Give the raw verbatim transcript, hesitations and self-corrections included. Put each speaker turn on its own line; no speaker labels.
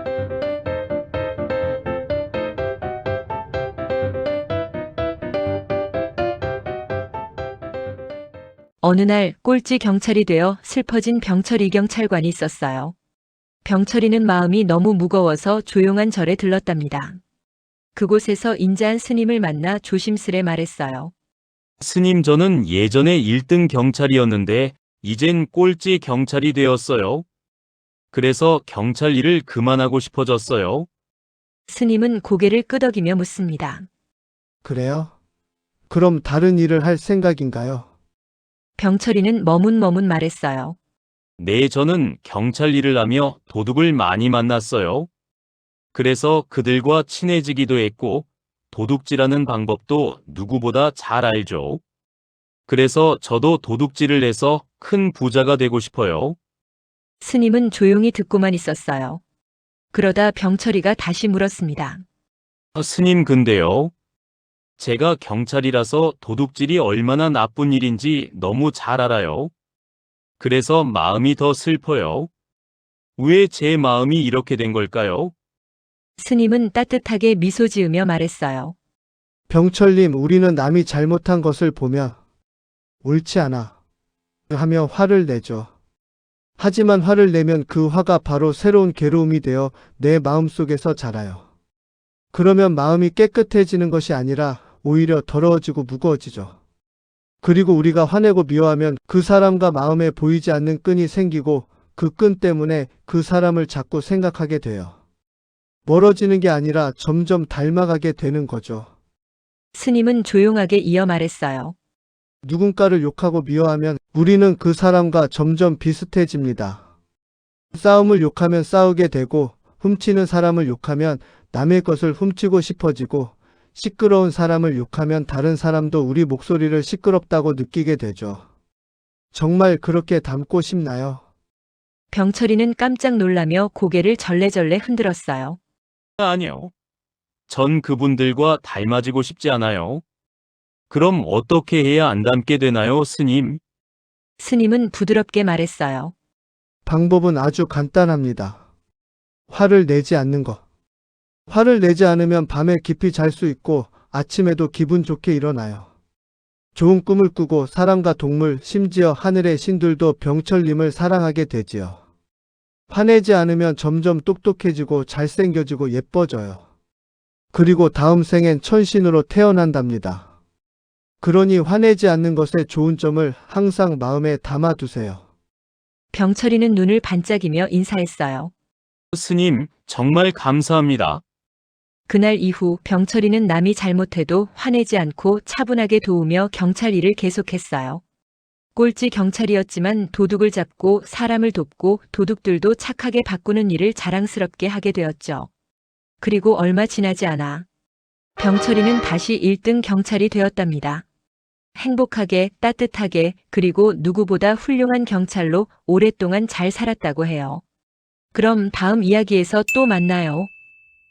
어느 날 꼴찌 경찰이 되어 슬퍼진 병철이 경찰관이 있었어요. 병철이는 마음이 너무 무거워서 조용한 절에 들렀답니다. 그곳에서 인자한 스님을 만나 조심스레 말했어요.
스님, 저는 예전에 일 등 경찰이었는데 이젠 꼴찌 경찰이 되었어요. 그래서 경찰 일을 그만하고 싶어졌어요.
스님은 고개를 끄덕이며 묻습니다.
그래요? 그럼 다른 일을 할 생각인가요?
병철이는 머문머문 말했어요.
네, 저는 경찰 일을 하며 도둑을 많이 만났어요. 그래서 그들과 친해지기도 했고 도둑질하는 방법도 누구보다 잘 알죠. 그래서 저도 도둑질을 해서 큰 부자가 되고 싶어요.
스님은 조용히 듣고만 있었어요. 그러다 병철이가 다시 물었습니다.
아, 스님, 근데요. 제가 경찰이라서 도둑질이 얼마나 나쁜 일인지 너무 잘 알아요. 그래서 마음이 더 슬퍼요. 왜 제 마음이 이렇게 된 걸까요?
스님은 따뜻하게 미소 지으며 말했어요.
병철님, 우리는 남이 잘못한 것을 보면 옳지 않아 하며 화를 내죠. 하지만 화를 내면 그 화가 바로 새로운 괴로움이 되어 내 마음속에서 자라요. 그러면 마음이 깨끗해지는 것이 아니라 오히려 더러워지고 무거워지죠. 그리고 우리가 화내고 미워하면 그 사람과 마음에 보이지 않는 끈이 생기고 그 끈 때문에 그 사람을 자꾸 생각하게 돼요. 멀어지는 게 아니라 점점 닮아가게 되는 거죠.
스님은 조용하게 이어 말했어요.
누군가를 욕하고 미워하면 우리는 그 사람과 점점 비슷해집니다. 싸움을 욕하면 싸우게 되고, 훔치는 사람을 욕하면 남의 것을 훔치고 싶어지고, 시끄러운 사람을 욕하면 다른 사람도 우리 목소리를 시끄럽다고 느끼게 되죠. 정말 그렇게 닮고 싶나요?
병철이는 깜짝 놀라며 고개를 절레절레 흔들었어요.
아니요. 전 그분들과 닮아지고 싶지 않아요. 그럼 어떻게 해야 안 닮게 되나요, 스님?
스님은 부드럽게 말했어요.
방법은 아주 간단합니다. 화를 내지 않는 것. 화를 내지 않으면 밤에 깊이 잘 수 있고 아침에도 기분 좋게 일어나요. 좋은 꿈을 꾸고 사람과 동물, 심지어 하늘의 신들도 병철님을 사랑하게 되지요. 화내지 않으면 점점 똑똑해지고 잘생겨지고 예뻐져요. 그리고 다음 생엔 천신으로 태어난답니다. 그러니 화내지 않는 것의 좋은 점을 항상 마음에 담아두세요.
병철이는 눈을 반짝이며 인사했어요.
스님, 정말 감사합니다.
그날 이후 병철이는 남이 잘못해도 화내지 않고 차분하게 도우며 경찰 일을 계속했어요. 꼴찌 경찰이었지만 도둑을 잡고 사람을 돕고 도둑들도 착하게 바꾸는 일을 자랑스럽게 하게 되었죠. 그리고 얼마 지나지 않아 병철이는 다시 일 등 경찰이 되었답니다. 행복하게, 따뜻하게, 그리고 누구보다 훌륭한 경찰로 오랫동안 잘 살았다고 해요. 그럼 다음 이야기에서 또 만나요.